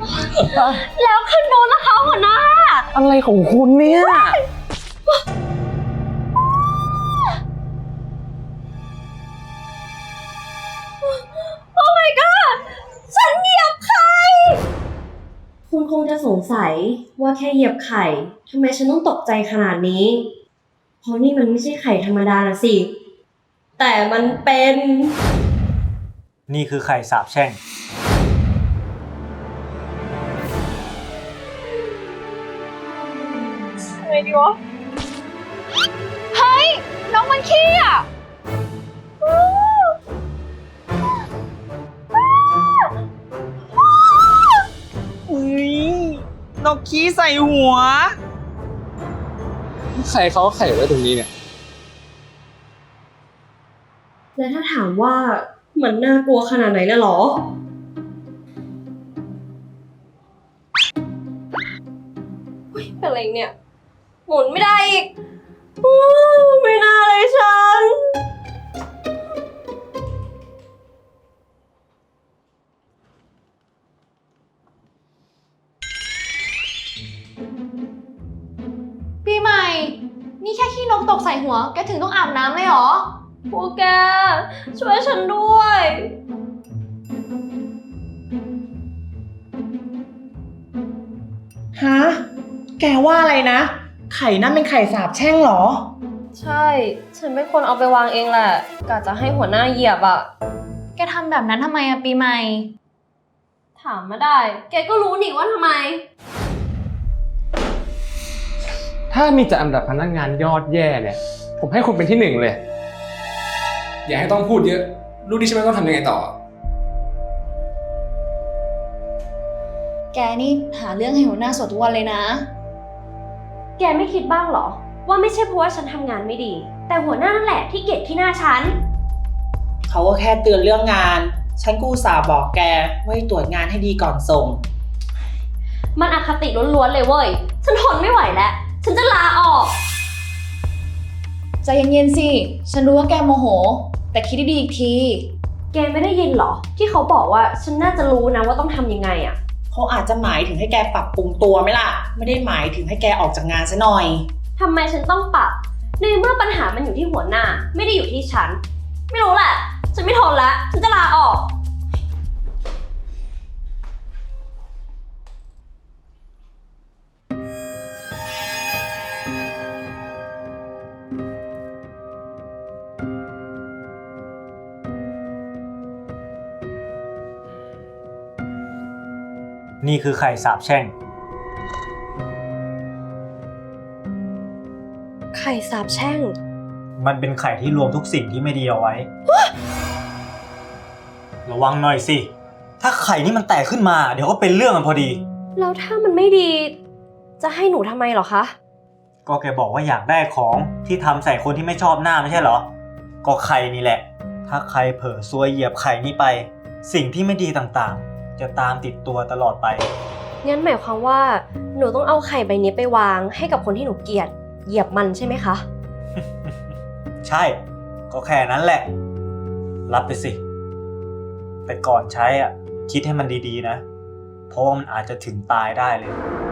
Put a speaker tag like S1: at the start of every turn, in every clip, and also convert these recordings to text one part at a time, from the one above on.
S1: แล้วคันโน้นนะคะหัวหน้า
S2: อะไรของคุณเนี่ย
S1: โอ้ my god ฉันเหยียบไข่คุณคงจะสงสัยว่าแค่เหยียบไข่ทำไมฉันต้องตกใจขนาดนี้เพราะนี่มันไม่ใช่ไข่ธรรมดานะสิแต่มันเป็น
S3: นี่คือไข่สาบแช่ง
S1: ไงดีวะเฮ้ยน้องมันขี้อ่ะ
S4: อุ้ยนกขี้ใส่หัว
S2: ใครเขาไข่ไว้ตรงนี้เนี่ย
S1: และถ้าถามว่ามันน่ากลัวขนาดไหนนะหรอเป็นอะไรเนี่ยหมุนไม่ได้อีกไม่น่าเลยฉัน
S5: ปีใหม่นี่แค่ขี้นกตกใส่หัวแกถึงต้องอาบน้ำเลยเหรอ
S1: พวกแกช่วยฉันด้วย
S4: ฮะแกว่าอะไรนะไข่นั่นเป็นไข่สาบแช่งเหรอ
S1: ใช่ฉันเป็นคนเอาไปวางเองแหละกะจะให้หัวหน้าเหยียบอ่ะ
S5: แกทำแบบนั้นทำไมอะปีใหม่
S1: ถามมาได้แกก็รู้นี่ว่าทำไม
S2: ถ้ามีจัดอันดับพนักงานยอดแย่เนี่ยผมให้คุณเป็นที่หนึ่งเลยอย่าให้ต้องพูดเยอะรู้ดิใช่ไหมต้องทำยังไงต่อ
S5: แกนี่หาเรื่องให้หัวหน้าสวดทุกวันเลยนะ
S1: แกไม่คิดบ้างเหรอว่าไม่ใช่เพราะว่าฉันทำงานไม่ดีแต่หัวหน้านั่นแหละที่เกลียดขี้หน้าฉัน
S4: เขาก็แค่เตือนเรื่องงานฉันกูอุตส่าห์บอกแกว่าให้ตรวจงานให้ดีก่อนส่ง
S1: มันอคติล้วนๆเลยเว้ยฉันทนไม่ไหวแล้วฉันจะลาออก
S5: ใจเย็นๆสิฉันรู้ว่าแกโมโหแต่คิดดีๆอีกที
S1: แกไม่ได้ยินเหรอที่เขาบอกว่าฉันน่าจะรู้นะว่าต้องทำยังไงอ่ะ
S4: เขาอาจจะหมายถึงให้แกปรับปรุงตัวไหมล่ะไม่ได้หมายถึงให้แกออกจากงานซะหน่อย
S1: ทำไมฉันต้องปรับในเมื่อปัญหามันอยู่ที่หัวหน้าไม่ได้อยู่ที่ฉันไม่รู้แหละฉันไม่ทนแล้วฉันจะลาออก
S3: นี่คือไข่สาบแช่ง
S1: ไข่สาบแช่ง
S3: มันเป็นไข่ที่รวมทุกสิ่งที่ไม่ดีเอาไว้ ระวังหน่อยสิถ้าไข่นี่มันแตกขึ้นมาเดี๋ยวก็เป็นเรื่องกันพอดี
S1: แล้วถ้ามันไม่ดีจะให้หนูทำไมเหรอคะ
S3: ก็แกบอกว่าอยากได้ของที่ทำใส่คนที่ไม่ชอบหน้าไม่ใช่เหรอก็ไข่นี่แหละถ้าใครเผลอซวยเหยียบไข่นี่ไปสิ่งที่ไม่ดีต่างๆจะตามติดตัวตลอดไป
S1: งั้นหมายความว่าหนูต้องเอาไข่ใบนี้ไปวางให้กับคนที่หนูเกลียดเหยียบมันใช่ไหมคะ
S3: ใช่ก็แค่นั้นแหละรับไปสิแต่ก่อนใช้อ่ะคิดให้มันดีๆนะเพราะว่ามันอาจจะถึงตายได้เลย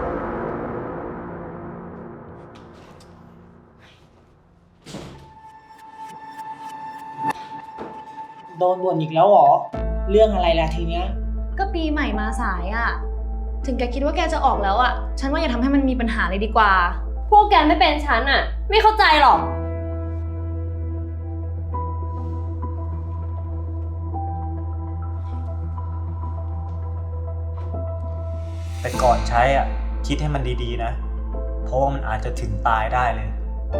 S4: โดนบ่นอีกแล้วเหรอเรื่องอะไรล่ะทีเนี้ย
S5: ก็ปีใหม่มาสายอะถึงแกคิดว่าแกจะออกแล้วอะฉันว่าอย่าทำให้มันมีปัญหาเลยดีกว่า
S1: พวกแกไม่เป็นฉันอะไม่เข้าใจหรอก
S3: แต่ก่อนใช้อ่ะคิดให้มันดีๆนะเพราะว่ามันอาจจะถึงตายได้เลย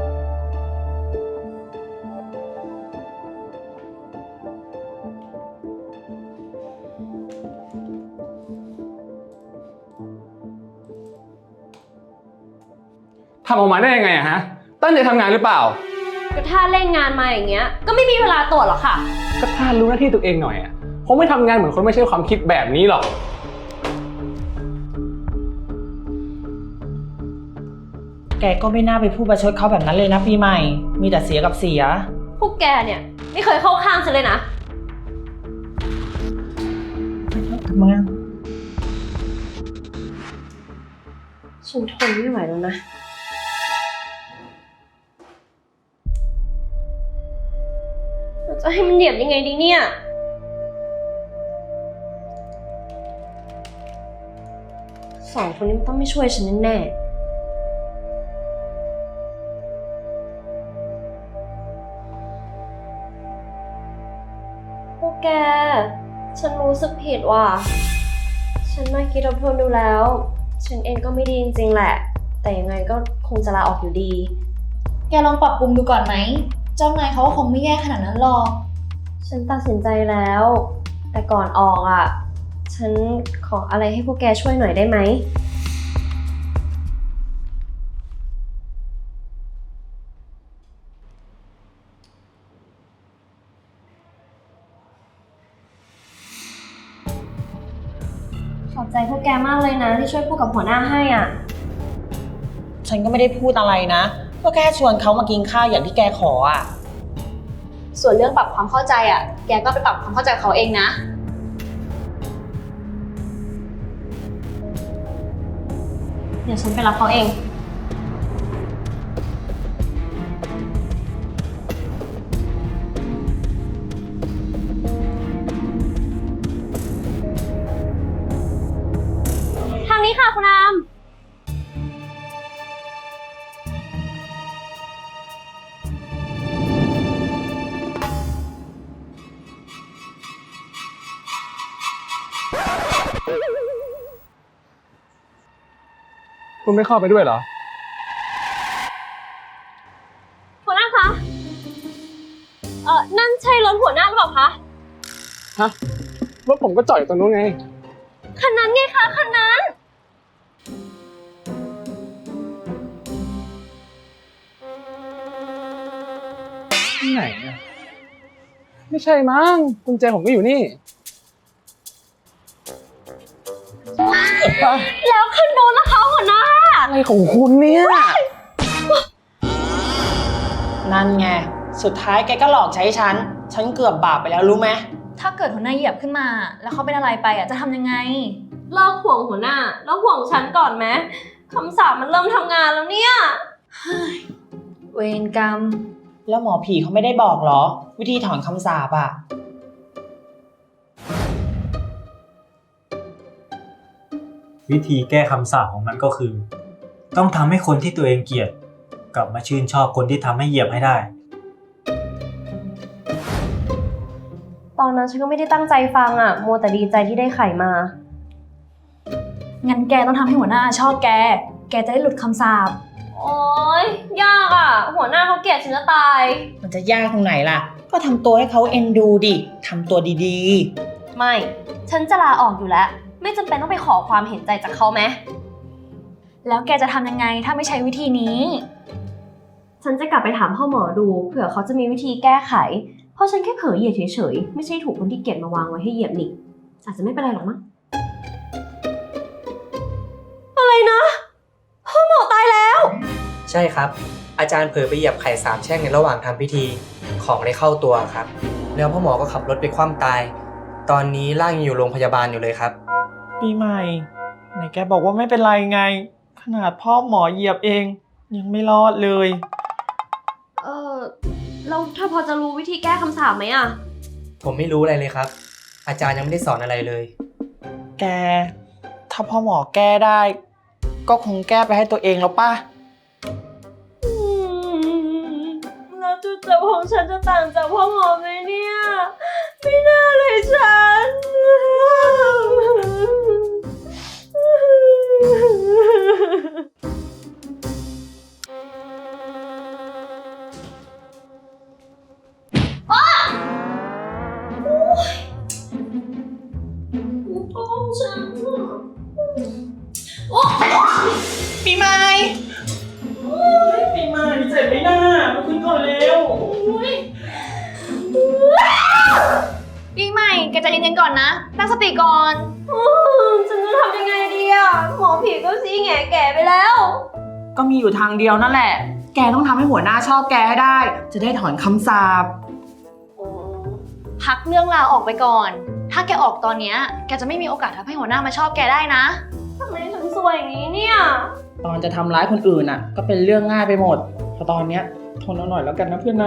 S2: ทำออกมาได้ยังไงอะฮะตั้งใจทำงานหรือเปล่า
S1: ก็ถ้าเล่นงานมาอย่างเงี้ยก็ไม่มีเวลาตรวจหรอกค่ะ
S2: ก็ถ้ารู้หน้าที่ตัวเองหน่อยอะคงไม่ทำงานเหมือนคนไม่ใช่ความคิดแบบนี้หรอก
S4: แกก็ไม่น่าไปพูดประชดเขาแบบนั้นเลยนะปีใหม่มีแต่เสียกับเสีย
S1: พวกแกเนี่ยไม่เคยเข้าข้างฉันเลยนะ
S4: ทำไม
S1: ฉันทนไม่ไหวแล้วนะ เราจะให้มันเหยียบยังไงดีเนี่ยสองคนนี้มันต้องไม่ช่วยฉันแน่ๆพวกแก ฉันรู้สึกผิดว่ะ ฉันมาคิดทบทวนดูแล้ว ฉันเองก็ไม่ดีจริงๆแหละ แต่ยังไงก็คงจะลาออกอยู่ดี
S5: แกลองปรับปรุงดูก่อนไหม เจ้านายเขาก็คงไม่แย่ขนาดนั้นหรอก
S1: ฉันตัดสินใจแล้ว แต่ก่อนออกอ่ะ ฉันขออะไรให้พวกแกช่วยหน่อยได้ไหม ขอบใจพวกแกมากเลยนะที่ช่วยพูดกับหัวหน้าให้อ่ะ
S4: ฉันก็ไม่ได้พูดอะไรนะ ก็แค่ชวนเขามากินข้าวอย่างที่แกขออ่ะ
S5: ส่วนเรื่องปรับความเข้าใจอ่ะ แกก็ไปปรับความเข้าใจเขาเองนะ
S1: เดี๋ยวฉันไปรับเขาเอง ทางนี้ค่ะคุณอาม
S2: คุณไม่เข้าไปด้วยเหรอ
S1: หัวหน้าคะ นั่นใช่รถหัวหน้าหรือเปล่าคะ
S2: ฮะ รถผมก็จอดอยู่ตรงนู้นไง
S1: คันนั้นไงคะคันนั้น
S2: ที่ไหนอะไม่ใช่มั้งกุญแจผมก็อยู่นี่
S1: แล้วคันโน้นนะคะหัวหน้า
S2: อะไรของคุณเนี่ย
S4: นั่นไง สุดท้ายแกก็หลอกใช้ฉัน ฉันเกือบบาปไปแล้วรู้ไหม
S5: ถ้าเกิดหัวหน้าเหยียบขึ้นมา แล้วเขาเป็นอะไรไปอ่ะจะทำยังไง
S1: เลิกห่วงหัวหน้า แล้วห่วงฉันก่อนไหมคำสาปมันเริ่มทำงานแล้วเนี่ย
S5: เวรกรรม
S4: แล้วหมอผีเขาไม่ได้บอกเหรอ วิธีถอนคำสาปอ่ะ
S3: วิธีแก้คำสาปของมันก็คือ ต้องทำให้คนที่ตัวเองเกลียดกลับมาชื่นชอบคนที่ทำให้เหยียบให้ได้
S1: ตอนนั้นฉันก็ไม่ได้ตั้งใจฟังอ่ะ มัวแต่ดีใจที่ได้ไข่มา
S5: งั้นแกต้องทำให้หัวหน้าชอบแก แกจะได้หลุดคำสาป
S1: โอ๊ย ยากอ่ะ หัวหน้าเขาเกลียดฉันจะตาย
S4: มันจะยากตรงไหนล่ะ ก็ทำตัวให้เขาเอ็นดูดิทำตัวดี
S1: ไม่ ฉันจะลาออกอยู่แล้ว ไม่จำเป็นต้องไปขอความเห็นใจจากเขาไหม
S5: แล้วแกจะทำยังไงถ้าไม่ใช้วิธีนี้
S1: ฉันจะกลับไปถามพ่อหมอดู เผื่อเขาจะมีวิธีแก้ไข เพราะฉันแค่เผลอเหยียบเฉยๆ ไม่ใช่ถูกคนที่เกลียดมาวางไว้ให้เหยียบนี่อาจจะไม่เป็นไรหรอกมั้ง อะไรนะ พ่อหมอตายแล้ว
S6: ใช่ครับ อาจารย์เผลอไปเหยียบไข่3 แช่งในระหว่างทำพิธีของเลยเข้าตัวครับ แล้วพ่อหมอก็ขับรถไปคว่ำตาย ตอนนี้ร่างยังอยู่โรงพยาบาลอยู่เลยครับ
S4: ๆ ปีใหม่ไหนแกบอกว่าไม่เป็นไรไง ขนาดพ่อหมอเหยียบเอง ยังไม่รอดเลย
S1: แล้วเธอพอจะรู้วิธีแก้คำสาปไหมอ่ะ
S6: ผมไม่รู้อะไรเลยครับ อาจารย์ยังไม่ได้สอนอะไรเลย
S4: แก ถ้าพ่อหมอแก้ได้ ก็คงแก้ไปให้ตัวเองแล้วป่ะ
S1: แล้วจุดจบของฉันจะต่างจากพ่อหมอไหมเนี่ย ไม่น่าเลยฉัน
S4: ปีใหม่ปีใหม่เจ็บไหมน่ามาขึ้นก่อนเร็ว
S5: ปีใหม่ แกใจเย็นๆก่อนนะ ตั้งสติก่อน
S1: ฉันจะทำยังไงดีอ่ะ หมอผีก็ซีแง่แก่ไปแล้ว
S4: ก็มีอยู่ทางเดียวนั่นแหละ แกต้องทำให้หัวหน้าชอบแกให้ได้ จะได้ถอนคำสาป
S5: พักเรื่องราวออกไปก่อน ถ้าแกออกตอนเนี้ยแกจะไม่มีโอกาสทำให้หัวหน้ามาชอบแกได้นะ
S1: ทำไมฉันโสซวยอย่างนี้เนี่ย
S4: ตอนจะทำร้ายคนอื่นอ่ะ ก็เป็นเรื่องง่ายไปหมดพอตอนเนี้ยทนเอาหน่อยแล้วกันนะเพื่อนนะ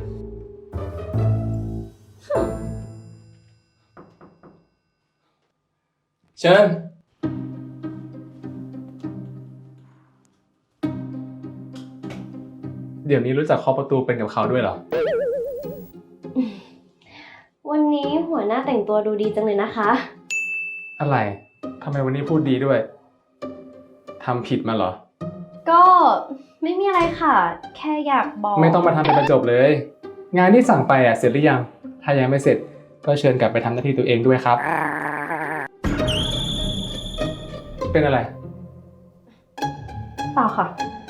S2: เชิญ เดี๋ยวนี้รู้จักเคาะประตูเป็นกับเขาด้วยเหรอ
S1: วันนี้หัวหน้าแต่งตัวดูดีจังเลยนะคะ
S2: อะไร ทำไมวันนี้พูดดีด้วย ทำผิดมาเหรอ
S1: ก็ไม่มีอะไรค่ะ แค่อยากบอก
S2: ไม่ต้องมาทำเป็นประจบเลย งานที่สั่งไปเสร็จหรือยัง ถ้ายังไม่เสร็จ ก็เชิญกลับไปทำหน้าที่ตัวเองด้วยครับ เป็นอะไร
S1: เปล่าค่ะ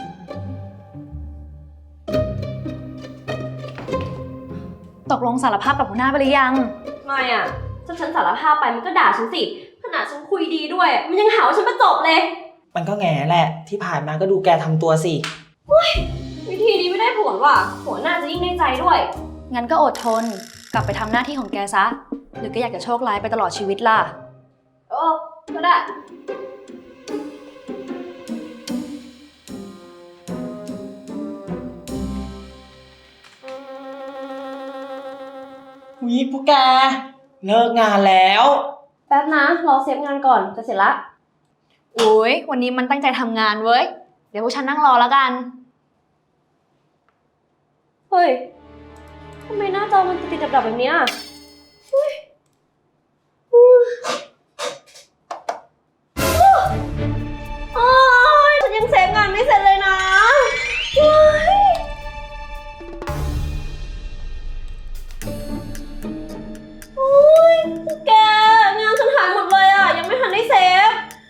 S5: ตกลงสารภาพกับหัวหน้าไปหรือยัง
S1: ไม่อะถ้าฉันสารภาพไปมันก็ด่าฉันสิ ขนาดฉันคุยดีด้วย มันยังหาว่าฉันประจบเลย
S4: มันก็แง่แหละ ที่ผ่านมาก็ดูแกทำตัวสิ
S1: วิธีนี้ไม่ได้ผลว่ะ หัวหน้าจะยิ่งในใจด้วย
S5: งั้นก็อดทน กลับไปทำหน้าที่ของแกซะ หรือก็อยากจะโชคร้ายไปตลอดชีวิตล่ะ
S1: โอ้ก็ได้
S4: วิพวกแก เลิกงานแล้ว
S1: แป๊บนะ รอเซฟงานก่อน จะเสร็จละ
S5: อุ้ยวันนี้มันตั้งใจทำงานเว้ย เดี๋ยวพวกฉันนั่งรอแล้วกัน
S1: เฮ้ย ทำไมหน้าจอมันติดๆดับๆแบบเนี้ยเฮ้ยโอ๊ยฉันยังเซฟงานไม่เสร็จเลยนะเฮ้ยโอ๊ยแก งานฉันหายหมดเลยอ่ะ ยังไม่ทันได้เซฟ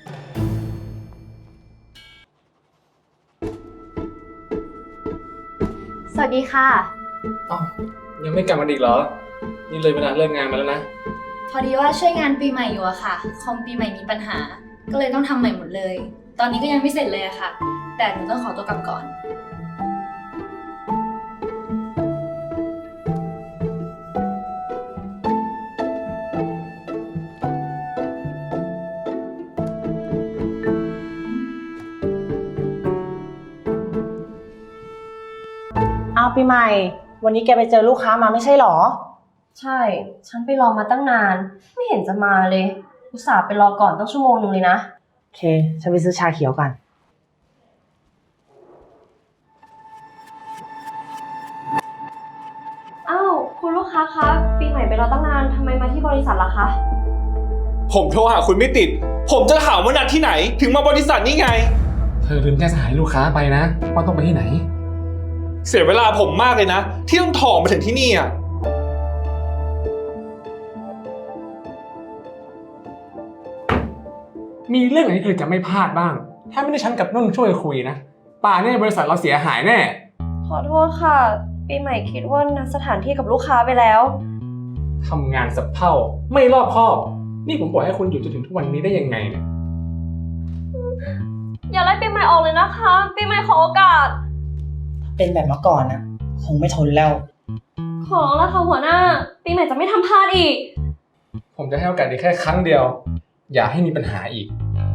S5: สวัสดีค่ะ
S2: เอ้ายังไม่กลับมาอีกเหรอ นี่เลยเวลาเลิกงานมาแล้วนะ
S5: พอดีว่าช่วยงานปีใหม่อยู่อะค่ะ คอมปีใหม่มีปัญหา ก็เลยต้องทำใหม่หมดเลย ตอนนี้ก็ยังไม่เสร็จเลยอะค่ะ แต่หนูต้องขอตัวกลับก่อน
S4: เอาปีใหม่ วันนี้แกไปเจอลูกค้ามาไม่ใช่หรอ
S1: ใช่ ฉันไปรอมาตั้งนาน ไม่เห็นจะมาเลย อุตส่าห์ไปรอก่อนตั้งชั่วโมงนึงเลยนะ
S4: โอเค ฉันไปซื้อชาเขียวกัน
S1: อ้าว คุณลูกค้าคะ ปีใหม่ไปรอตั้งนาน ทำไมมาที่บริษัทล่ะคะ
S7: ผมโทรหาคุณไม่ติด ผมจะถามว่านัดที่ไหน ถึงมาบริษัทนี่ไง
S2: เธอลืมแจ้งสหายลูกค้าไปนะ ว่าต้องไปที่ไหน
S7: เสียเวลาผมมากเลยนะ ที่ต้องถ่อมาถึงที่นี่อ่ะ
S2: มีเรื่องไหนที่เธอจะไม่พลาดบ้าง ถ้าไม่ได้ฉันกับนุ่นช่วยคุยนะ ป่านนี้บริษัทเราเสียหายแน่
S1: ขอโทษค่ะ ปีใหม่คิดว่านัดสถานที่กับลูกค้าไปแล้ว
S2: ทำงานสับเพ่าไม่รอบคอบ นี่ผมบอกให้คุณอยู่จนถึงทุกวันนี้ได้ยังไงเนี่ย
S1: อย่าไล่ปีใหม่ออกเลยนะคะ ปีใหม่ขอโอกาส
S4: เป็นแบบเมื่อก่อนนะคงไม่ทนแล้ว
S1: ขอแล้วค่ะหัวหน้า ปีใหม่จะไม่ทำพลาดอีก
S2: ผมจะให้โอกาสอีกแค่ครั้งเดียว อย่าให้มีปัญหาอีก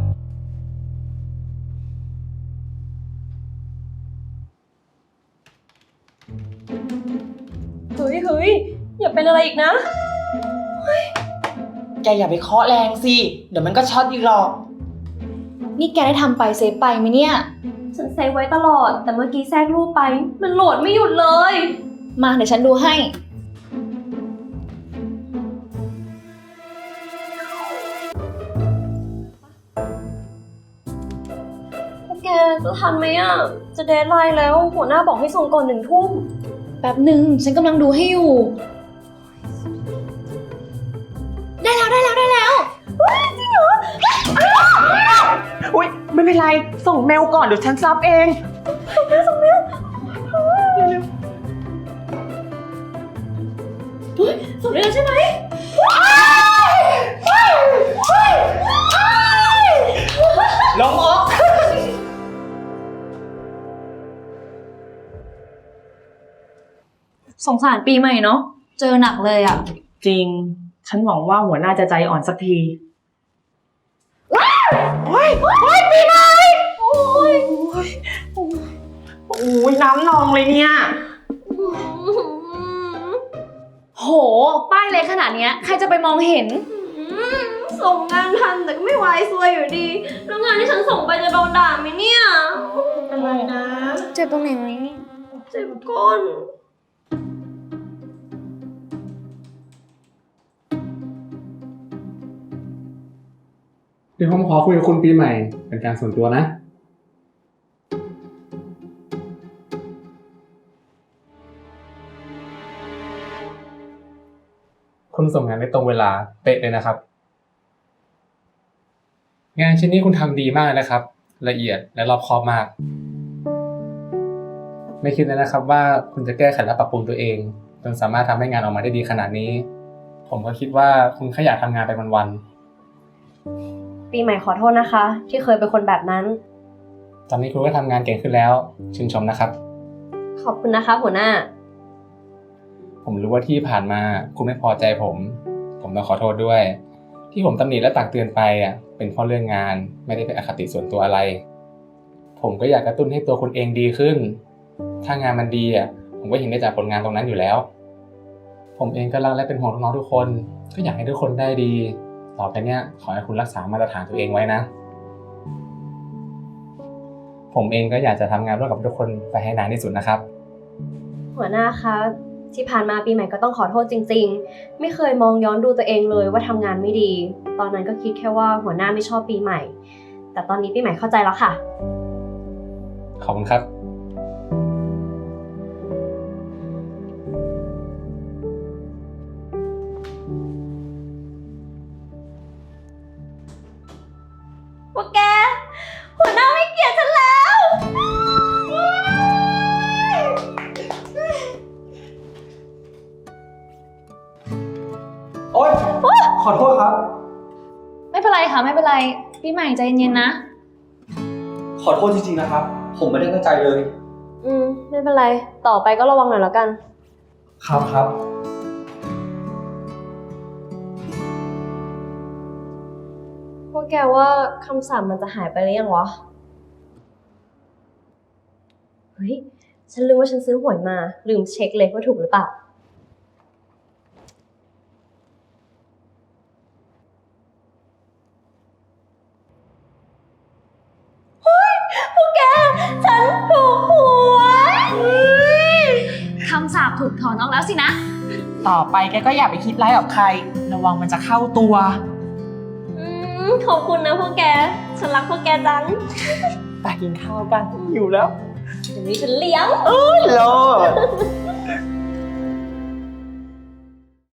S1: เฮ้ย อย่าเป็นอะไรอีกนะ
S4: แกอย่าไปเคาะแรงสิ เดี๋ยวมันก็ช็อตอีกหรอก
S5: นี่แกได้ทำไปเซฟไปไหมเนี่ย
S1: ฉันเซฟไว้ตลอด แต่เมื่อกี้แทรกรูปไป มันโหลดไม่หยุดเลย
S5: มาเดี๋ยวฉันดูให้
S1: พวกแกจะทันไหมอ่ะ จะเดดไลน์แล้ว หัวหน้าบอกให้ส่งก่อน1 ทุ่ม
S5: แป๊บหนึ่งฉันกำลังดูให้อยู่ ได้แล้ว
S4: อุ๊ย ไม่เป็นไร ส่งเมลก่อนเดี๋ยวฉันซับเอง
S1: ส่งเร็วใช่ไหม
S4: ลงออก
S5: สงสารปีใหม่เนาะ เจอหนักเลยอะ
S4: จริง ฉันหวังว่าหัวหน้าจะใจอ่อนสักทีโอ้ยปีใหม่โอ้ยน้ำนองเลยเนี่ย
S5: โห ป้ายเล็กขนาดเนี้ยใครจะไปมองเห็น
S1: ส่งงานทันแต่ก็ไม่ไหวซวยอยู่ดี แล้วงานที่ฉันส่งไปจะโดนด่าไหมเนี่ย
S4: อะไรนะ
S5: เจ็บตรงไหนไหม
S1: เจ็บก้น
S2: เดี๋ยวผมขอคุยกับคุณปีใหม่เป็นการส่วนตัวนะ คุณส่งงานได้ตรงเวลาเป๊ะเลยนะครับ งานชิ้นนี้คุณทำดีมากเลยนะครับ ละเอียดและรอบคอบมาก ไม่คิดเลยนะครับว่าคุณจะแก้ไขและปรับปรุงตัวเองจนสามารถทำให้งานออกมาได้ดีขนาดนี้ ผมก็คิดว่าคุณแค่อยากทำงานไปวันๆ
S1: ปีใหม่ขอโทษนะคะ ที่เคยเป็นคนแบบนั้น
S2: ตอนนี้คุณก็ทำงานเก่งขึ้นแล้วชื่นชมนะครับ
S1: ขอบคุณนะคะหัวหน้า
S2: ผมรู้ว่าที่ผ่านมาคุณไม่พอใจผมต้องขอโทษด้วย ที่ผมตำหนิและตักเตือนไปเป็นเพราะเรื่องงานไม่ได้เป็นอคติส่วนตัวอะไร ผมก็อยากกระตุ้นให้ตัวคุณเองดีขึ้น ถ้างานมันดีผมก็เห็นได้จากผลงานตรงนั้นอยู่แล้ว ผมเองก็รักและเป็นห่วงน้องๆทุกคนก็อยากให้ทุกคนได้ดี ต่อไปเนี้ยขอให้คุณรักษามาตรฐานตัวเองไว้นะ ผมเองก็อยากจะทำงานร่วมกับทุกคนไปให้นานที่สุดนะครับ
S1: หัวหน้าคะที่ผ่านมาปีใหม่ก็ต้องขอโทษจริงๆ ไม่เคยมองย้อนดูตัวเองเลยว่าทำงานไม่ดี ตอนนั้นก็คิดแค่ว่าหัวหน้าไม่ชอบปีใหม่ แต่ตอนนี้ปีใหม่เข้าใจแล้วค่ะ
S2: ขอบคุณครับ
S1: ว่าแก หัวหน้าไม่เกลียดฉันแล้ว
S3: โอ๊ยขอโทษครับ
S5: ไม่เป็นไรค่ะ ไม่เป็นไร ปีใหม่ใจเย็นๆนะ
S3: ขอโทษจริงๆนะครับ ผมไม่ได้ตั้งใจเลย
S1: ไม่เป็นไร ต่อไปก็ระวังหน่อยแล้วกัน
S3: ครับ
S1: พวกแกว่าคำสาปมันจะหายไปหรือยังวะ เฮ้ย ฉันลืมว่าฉันซื้อหวยมา ลืมเช็คเลยว่าถูกหรือเปล่า เฮ้ย พวกแก ฉันถูกหวย
S5: คำสาปถูกถอนออกแล้วสินะ
S4: ต่อไปแกก็อย่าไปคิดร้ายกับใคร ระวังมันจะเข้าตัว
S1: ขอบคุณนะพวกแก ฉันรักพวกแกจัง
S4: ไปกินข้าวกันหิวแล้ว
S1: เดี๋ยวนี้ฉันเลี้ยง
S4: โลด